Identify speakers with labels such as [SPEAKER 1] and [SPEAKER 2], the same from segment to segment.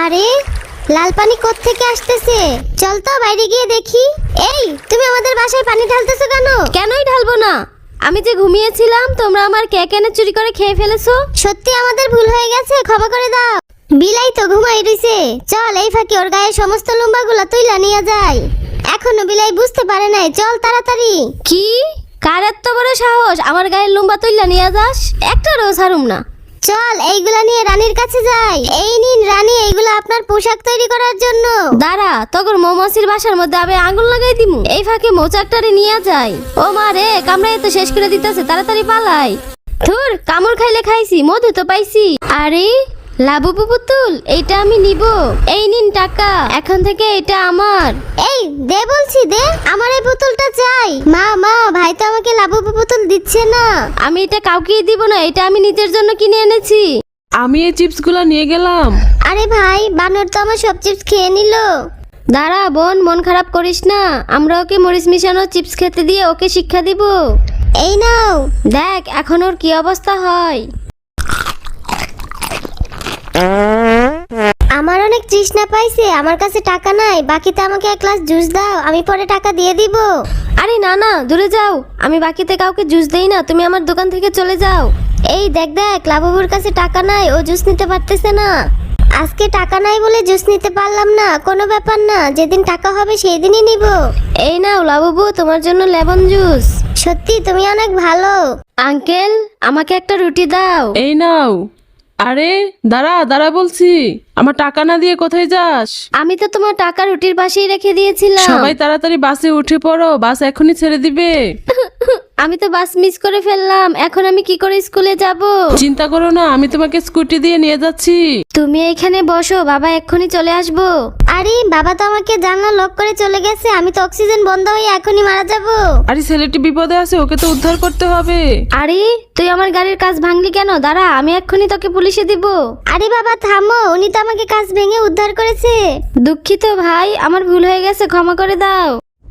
[SPEAKER 1] আরে লাল পানি কোত্থেকে আসতেছে? চল তো বাইরে গিয়ে দেখি। এই তুমি আমাদের বাসায় পানি ঢালতেছো কেন?
[SPEAKER 2] কেনই ঢালবো না? আমি যে ঘুমিয়েছিলাম তোমরা আমার কেক এনে চুরি করে খেয়ে ফেলেছো।
[SPEAKER 1] সত্যি আমাদের ভুল হয়ে গেছে, ক্ষমা করে দাও। বিলাই তো ঘুমাই রইছে, চল এই ফাঁকে ওর গায়ে সমস্ত লম্বাগুলো তুইলা নিয়ে যাই। এখনো বিলাই বুঝতে পারে নাই, চল তাড়াতাড়ি।
[SPEAKER 2] কি? কার এত বড় সাহস আমার গায়ের লম্বা তুইলা নিয়ে যাস? একটা রোজ হারুম না।
[SPEAKER 1] চল এইগুলা নিয়ে রানীর কাছে যাই। এই নিন রানী, এইগুলা আপনার পোশাক তৈরি করার জন্য।
[SPEAKER 2] দাঁড়া, তখন মৌমাছির বাসার মধ্যে আমি আঙুল লাগাই দিমু। এই ফাঁকে মৌচাকটারে নিয়ে যাই। ও মা রে, কামড়াই তো শেষ করে দিতেছে, তাড়াতাড়ি পালাই। ধুর, কামড় খাইলে খাইছি, মধু তো পাইছি। আরে লাবুবু পুতুল, এইটা আমি নিব। এই নিন টাকা, এখন থেকে এটা আমার।
[SPEAKER 1] এই দে বলছি, দে, আমার এই পুতুলটা চাই। মা মা, ভাই তো আমাকে লাবুবু পুতুল দিচ্ছে না।
[SPEAKER 2] আমি এটা কাউকেই দিব না, এটা আমি নিজের জন্য কিনে এনেছি।
[SPEAKER 3] আমি এই চিপসগুলো নিয়ে গেলাম।
[SPEAKER 1] আরে ভাই, বানর তো আমার সব চিপস খেয়ে নিল।
[SPEAKER 2] দাঁড়া বোন, মন খারাপ করিস না, আমরা ওকে মরিচ মিশানো চিপস খেতে দিয়ে ওকে শিক্ষা দিব।
[SPEAKER 1] এই নাও।
[SPEAKER 2] দেখ এখন ওর কি অবস্থা হয়।
[SPEAKER 1] আমার অনেক তৃষ্ণা পাইছে, আমার কাছে টাকা নাই, বাকিতে আমাকে এক গ্লাস জুস দাও, আমি পরে টাকা দিয়ে দিব।
[SPEAKER 2] আরে না না, দূরে যাও, আমি বাকিতে কাউকে জুস দেই না, তুমি আমার দোকান থেকে চলে যাও।
[SPEAKER 1] এই দেখ দেখ, লাবুবুর কাছে টাকা নাই, ও জুস নিতে পারতেছে না। আজকে টাকা নাই বলে জুস নিতে পারলাম না, কোনো ব্যাপার না, যেদিন টাকা হবে সেই দিনই নিব।
[SPEAKER 2] এই নাও লাবুবু, তোমার জন্য লেমন জুস।
[SPEAKER 1] সত্যি তুমি অনেক ভালো।
[SPEAKER 2] আঙ্কেল, আমাকে একটা রুটি দাও।
[SPEAKER 3] এই নাও। আরে দাঁড়া দাঁড়া বলছি, আমার টাকা না দিয়ে কোথায় যাস?
[SPEAKER 2] আমি তো তোমার টাকা রুটির পাশেই রেখে দিয়েছিলাম।
[SPEAKER 3] সবাই তাড়াতাড়ি বাসে উঠে পড়ো, বাস এখনই ছেড়ে দিবে।
[SPEAKER 2] আমি তো বাস মিস করে ফেললাম, এখন আমি কি করে স্কুলে যাব?
[SPEAKER 3] চিন্তা করো না, আমি তোমাকে স্কুটি দিয়ে নিয়ে যাচ্ছি।
[SPEAKER 2] তুমি এখানে বসো, বাবা এক্ষুনি চলে আসবো।
[SPEAKER 1] আরে বাবা তো আমাকে জানলা লক করে চলে গেছে, আমি তো অক্সিজেন বন্ধ হয়ে এখনই মারা যাব।
[SPEAKER 3] আরে ছেলেটি বিপদে আছে, ওকে তো উদ্ধার করতে হবে।
[SPEAKER 2] আরে তুই আমার গাড়ির কাজ ভাঙলি কেন? দাঁড়া, আমি এক্ষুনি তোকে পুলিশে দিব।
[SPEAKER 1] আরে বাবা থামো, উনি তো আমাকে কাজ ভেঙে উদ্ধার করেছে।
[SPEAKER 2] দুঃখিত ভাই, আমার ভুল হয়ে গেছে, ক্ষমা করে দাও।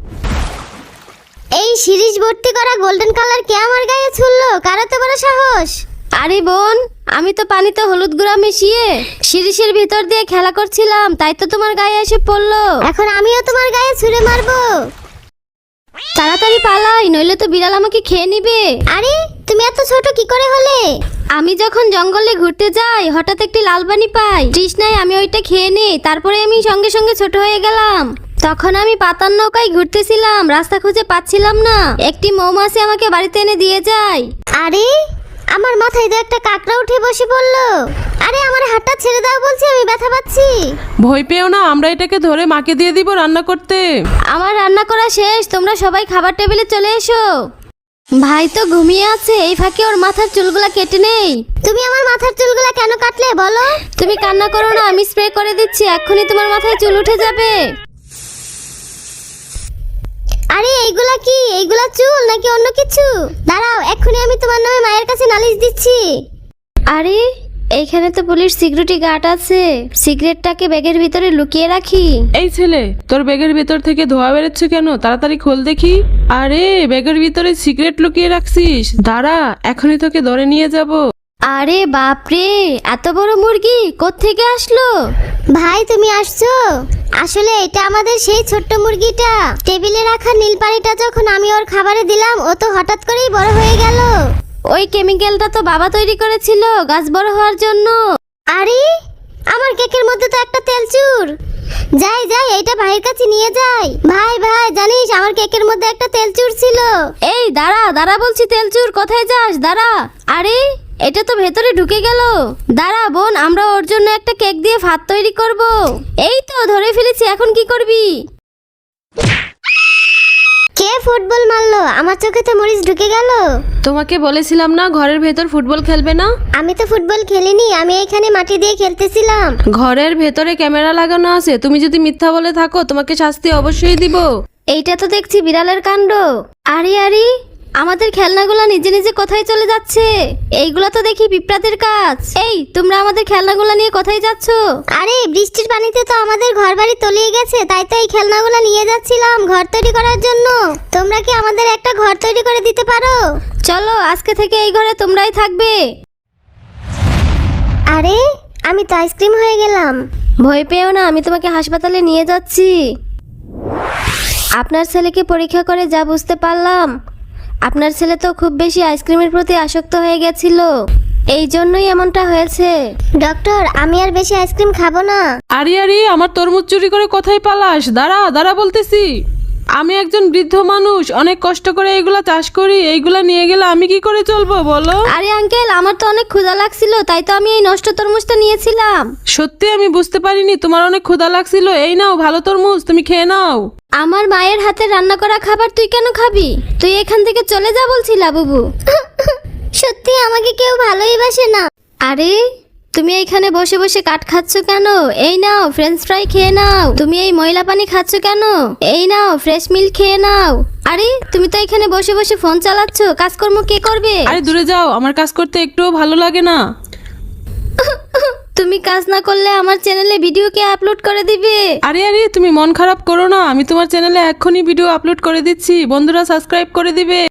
[SPEAKER 1] এই সিরিজ ভর্তি করা গোল্ডেন কালার কে আমার গায়ে ছুড়লো? কার এত বড় সাহস?
[SPEAKER 2] আরে বোন, আমি তো পানিতে হলুদ গুঁড়া মিশিয়ে শিরিষের ভিতর দিয়ে খেলা করছিলাম, তাই তো তোমার গায়ে এসে পড়লো।
[SPEAKER 1] এখন আমিও তোমার গায়ে ছুঁড়ে মারবো।
[SPEAKER 2] তাড়াতাড়ি পালাই, নইলে তো বিড়াল আমাকে খেয়ে নিবে।
[SPEAKER 1] আরে তুমি এত ছোট কি করে হলে?
[SPEAKER 2] আমি যখন জঙ্গলে ঘুরতে যাই, হঠাৎ একটি লাল পানি পাই, তৃষ্ণায় আমি ওইটা খেয়ে নিই, তারপরে আমি সঙ্গে সঙ্গে ছোট হয়ে গেলাম। তখন আমি পাতার নৌকায় ঘুরতেছিলাম, রাস্তা খুঁজে পাচ্ছিলাম না, একটি মৌমাছি আমাকে বাড়িতে এনে দিয়ে যায়।
[SPEAKER 1] আরে আমার মাথায় তো একটা কাকড়া উঠে বসে পড়লো। আরে আমার হাতটা ছেড়ে দাও বলছি, আমি ব্যথা পাচ্ছি।
[SPEAKER 3] ভয় পেও না, আমরা এটাকে ধরে মাকে দিয়ে দিব রান্না করতে।
[SPEAKER 2] আমার রান্না করা শেষ, তোমরা সবাই খাবার টেবিলে চলে এসো। ভাই তো ঘুমিয়ে আছে, এই ফাঁকে ওর মাথার চুলগুলা কেটে নেই।
[SPEAKER 1] তুমি আমার মাথার চুলগুলা কেন কাটলে বলো?
[SPEAKER 2] তুমি কান্না করো না, আমি স্প্রে করে দিচ্ছি, এক্ষুনি তোমার মাথায় চুল উঠে যাবে।
[SPEAKER 1] আরে এইগুলা কি? এইগুলা চুল নাকি অন্য কিছু? দাঁড়াও, এক্ষুনি আমি তোমার নামে মায়ের কাছে নালিশ দিচ্ছি।
[SPEAKER 2] আরে এইখানে তো পুলিশ সিকিউরিটি গার্ড আছে, সিগারেটটাকে ব্যাগের ভিতরে লুকিয়ে রাখি।
[SPEAKER 3] এই ছেলে, তোর ব্যাগের ভিতর থেকে ধোয়া বেরোচ্ছে কেন? তাড়াতাড়ি খোল দেখি। আরে ব্যাগের ভিতরে সিগারেট লুকিয়ে রাখছিস? দাঁড়া, এখনই তোকে ধরে নিয়ে যাব।
[SPEAKER 2] আরে বাপরে, এত বড় মুরগি কোত্থেকে আসলো?
[SPEAKER 1] ভাই তুমি আসছো? আসলে এটা আমাদের সেই ছোট্ট মুরগিটা। টেবিলে রাখা নীল পানিটা যখন আমি ওর খাবারে দিলাম, ও তো হঠাৎ করেই বড় হয়ে গেল।
[SPEAKER 2] ওই কেমিক্যালটা তো বাবা তৈরি করেছিল গাছ বড় হওয়ার জন্য।
[SPEAKER 1] আরে আমার কেকের মধ্যে তো একটা তেলচুর। যাই যাই, এটা ভাইয়ের কাছে নিয়ে যাই। ভাই ভাই, জানিস আমার কেকের মধ্যে একটা তেলচুর ছিল।
[SPEAKER 2] এই দাঁড়া দাঁড়া বলছি, তেলচুর কোথায় যাস? দাঁড়া। আরে এটা তো ভেতরে ঢুকে গেল। দাঁড়া বোন, আমরা ওর জন্য একটা কেক দিয়ে ভাত তৈরি করব। এই তো ধরে ফেলেছি, এখন কি করবি?
[SPEAKER 1] কে ফুটবল মারলো? আমার চোখে তো মরিচ ঢুকে গেল।
[SPEAKER 3] তোমাকে বলেছিলাম না ঘরের ভেতর ফুটবল খেলবে না।
[SPEAKER 1] আমি তো ফুটবল খেলিনি, আমি এখানে মাটি দিয়ে খেলতেছিলাম।
[SPEAKER 3] ঘরের ভেতরে ক্যামেরা লাগানো আছে, তুমি যদি মিথ্যা বলে থাকো তোমাকে শাস্তি অবশ্যই দিব।
[SPEAKER 2] এইটা তো দেখছি বিড়ালের কাণ্ড। আরে আরে, আমাদের খেলনাগুলো নিজে নিজে কোথায় চলে যাচ্ছে? এইগুলা তো দেখি পিঁপড়াদের কাজ। এই তোমরা আমাদের খেলনাগুলো নিয়ে কোথায় যাচ্ছ?
[SPEAKER 1] আরে বৃষ্টির পানিতে তো আমাদের ঘর বাড়ি তলিয়ে গেছে, তাই তো এই খেলনাগুলো নিয়ে যাচ্ছিলাম ঘর তৈরি করার জন্য। তোমরা কি আমাদের একটা ঘর তৈরি করে দিতে পারো?
[SPEAKER 2] চলো, আজকে থেকে এই ঘরে তোমরাই থাকবে।
[SPEAKER 1] আরে আমি তো আইসক্রিম হয়ে গেলাম।
[SPEAKER 2] ভয় পেও না, আমি তোমাকে হাসপাতালে নিয়ে যাচ্ছি। আপনার ছেলেকে পরীক্ষা করে যা বুঝতে পারলাম, আপনার ছেলে তো খুব বেশি আইসক্রিমের প্রতি আসক্ত হয়ে গেছিল, এই জন্যই এমনটা হয়েছে।
[SPEAKER 1] ডক্টর, আমি আর বেশি আইসক্রিম খাবো না।
[SPEAKER 3] আরে আরে, আমার তরমুজ চুরি করে কোথায় পালাস? দাঁড়া দাঁড়া বলতেছি। আমি একজন বৃদ্ধ মানুষ, অনেক কষ্ট করে এইগুলা চাষ করি, এইগুলা নিয়ে গেলে আমি কি করে চলবো বলো?
[SPEAKER 2] আরে আঙ্কেল, আমার তো অনেক ক্ষুধা লাগছিল, তাই তো আমি এই নষ্ট তরমুজটা নিয়েছিলাম।
[SPEAKER 3] সত্যি আমি বুঝতে পারিনি তোমার অনেক ক্ষুধা লাগছিল। এই নাও ভালো তরমুজ, তুমি খেয়ে নাও।
[SPEAKER 2] আমার মায়ের হাতে রান্না করা খাবার তুই কেন খাবি? তুই এখান থেকে চলে যা বলছি লাবুবু।
[SPEAKER 1] সত্যি আমাকে কেউ ভালোই বাসে না।
[SPEAKER 2] আরে তুমি এইখানে বসে বসে কাঠ খাচ্ছ কেন? এই নাও ফ্রেঞ্চ ফ্রাই খেয়ে নাও। তুমি এই ময়লা পানি খাচ্ছ কেন? এই নাও ফ্রেশ মিল্ক খেয়ে নাও। আরে তুমি তো এখানে বসে বসে ফোন চালাচ্ছ, কাজকর্ম কে করবে?
[SPEAKER 3] আরে দূরে যাও, আমার কাজ করতে একটুও ভালো লাগে না।
[SPEAKER 2] তুমি কাজ না করলে আমার চ্যানেলে ভিডিও কে আপলোড করে দিবে?
[SPEAKER 3] আরে আরে, তুমি মন খারাপ করো না, আমি তোমার চ্যানেলে এক্ষুনি ভিডিও আপলোড করে দিচ্ছি, বন্ধুরা সাবস্ক্রাইব করে দিবে।